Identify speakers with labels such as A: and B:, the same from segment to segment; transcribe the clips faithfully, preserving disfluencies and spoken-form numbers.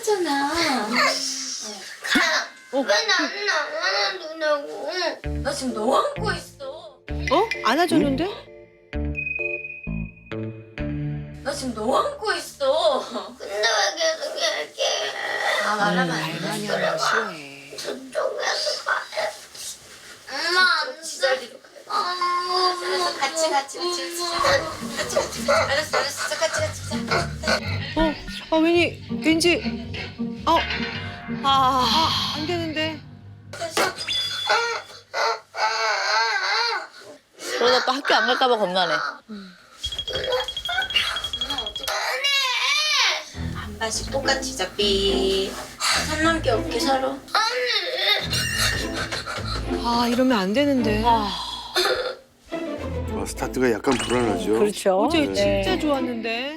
A: 끝났잖아.
B: 왜 나는 안 안아주냐고.
A: 나 지금 너 안고 있어.
C: 어? 안아줬는데?
A: 나 지금 너 안고 있어.
B: 근데 왜 계속 얘기해.
A: 아 말하면 안 돼.
C: 많이 하는 거 싫어해.
B: 저쪽에서 가야. 엄마 안 돼.
A: 지자리로 가야 돼. 알았어, 같이 같이 같이 같이 같이 같이. 알았어 알았어 자, 같이 같이 자.
C: 어? 아 왠지 왠지 어? 아, 안 되는데.
D: 그러다 또 학교 안 갈까 봐 겁나네.
A: 한 반씩 똑같이 잡비. 산 넘게 없게 살아.
C: 아 이러면 안 되는데.
E: 아, 스타트가 약간 불안하죠.
F: 그렇죠.
C: 어제
F: 네.
C: 진짜 좋았는데.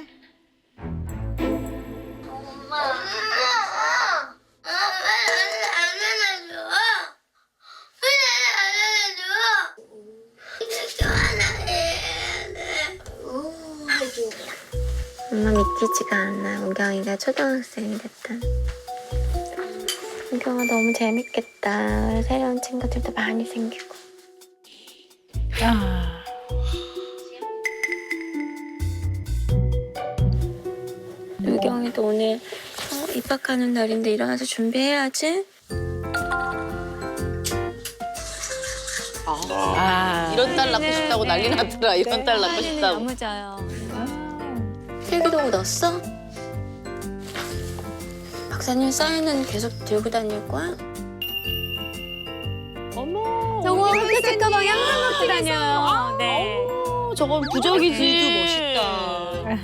B: 엄마. 엄마. 왜 나는 안 안아줘? 왜 나는 안 안아줘? 이렇게 안아야 돼.
G: 엄마 믿기지가 않아. 우경이가 초등학생이 됐다. 우경아 너무 재밌겠다. 새로운 친구들도 많이 생기고.
F: 아,
G: 우경이도 오늘 어, 입학하는 날인데 일어나서 준비해야지.
F: 아.
D: 이런 딸 낳고 싶다고 난리 났더라. 이런 딸 낳고 싶다고.
G: 너무 자요. 필기도구 넣었어? 박사님 사인은 계속 들고 다닐 거야?
C: 어머.
G: 저거
C: 우리
G: 학교 책 가방 항상 갖고 다녀요. 네.
D: 어, 저건 부적이지.
C: 멋있다.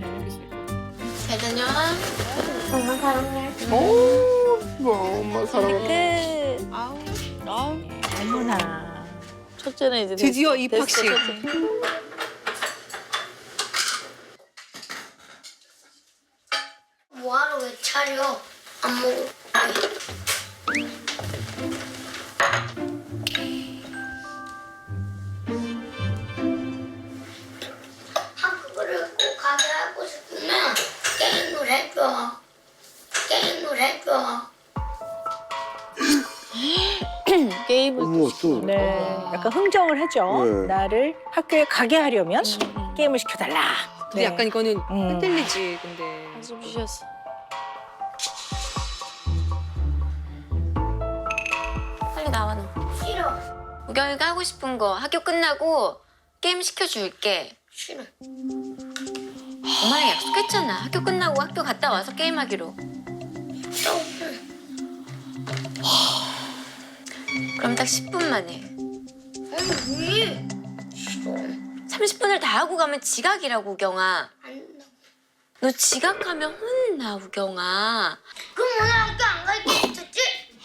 A: 잘 다녀와.
G: 엄마 사랑해.
E: 뭐, 엄마 사랑해.
G: 끝.
C: 아우.
D: 아우,
F: 어머나.
D: 첫째는 이제
C: 드디어
D: 됐어.
C: 입학식.
D: 됐어, 첫째.
B: 뭐하러 왜 차려? 안 먹어. 학교를 꼭 가게 하고 싶으면 게임을 해줘. 게임을 해줘.
D: 게임을
E: 어머, 또.
F: 네. 약간 흥정을 하죠.
E: 네.
F: 나를 학교에 가게 하려면 게임을 시켜달라.
C: 근데 약간 이거는
F: 음.
C: 흔들리지 근데.
D: 한숨 쉬었어.
G: 빨리 나와 너.
B: 싫어.
G: 우경이가 하고 싶은 거 학교 끝나고 게임 시켜줄게.
B: 싫어.
G: 엄마랑 약속했잖아. 학교 끝나고 학교 갔다 와서 게임하기로. 그럼 딱 십 분만 해.
B: 왜? 싫어.
G: 삼십 분을 다 하고 가면 지각이라고, 우경아.
B: 안 된다.
G: 너 지각하면 혼나, 우경아.
B: 그럼 오늘 학교 안 갈 게 있었지?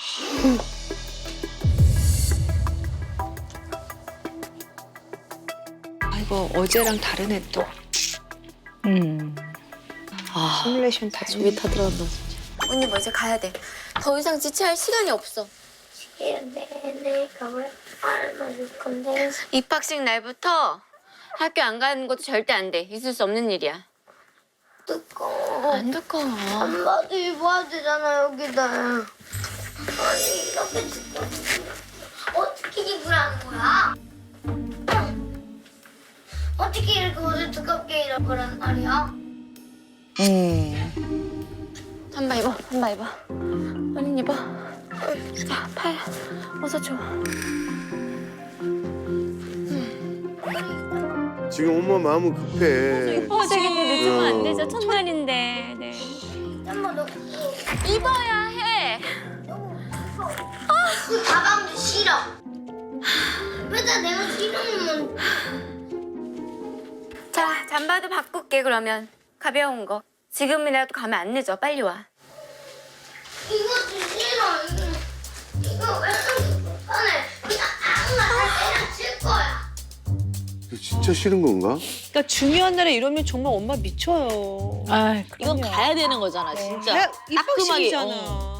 C: 아이고 어제랑 다르네 또.
F: 음.
D: 아,
C: 시뮬레이션 다
D: 집에 다 들어간다.
G: 언니 뭐 이제 가야 돼. 더 이상 지체할 시간이 없어.
B: 내내 가을 알아줄 건데.
G: 입학식 날부터 학교 안 가는 것도 절대 안 돼. 있을 수 없는 일이야.
B: 두꺼워.
G: 안 두꺼워.
B: 한바도 입어야 되잖아 여기다. 아니 이렇게 두꺼워. 어떻게 입으라는 거야? 어떻게 이렇게 옷을 두껍게 입을 거란 말이야?
F: 음.
G: 한바 입어, 한바 입어. 언니 입어. 자, 팔. 어서 줘.
E: 지금 엄마 마음은 급해.
G: 입어야 되겠는데
E: 늦으면 안 되죠.
G: 첫날인데. 네.
B: 엄마 너
G: 입어야 해.
B: 그 가방도 싫어. 왜다 내가 싫으면
G: 자, 잠바도 바꿀게 그러면. 가벼운 거. 지금이라도 가면 안 늦어. 빨리 와.
B: 이것도 싫어. 이거 이거 왜 이렇게 불편해? 그냥 아무나 다 때려칠 거야.
E: 진짜 싫은 건가?
C: 그러니까 중요한 날에 이러면 정말 엄마 미쳐요.
F: 아,
D: 이건
F: 그럼요.
D: 가야 되는 거잖아, 진짜.
C: 야,
D: 따끔하게,
C: 입학식이잖아.
D: 어.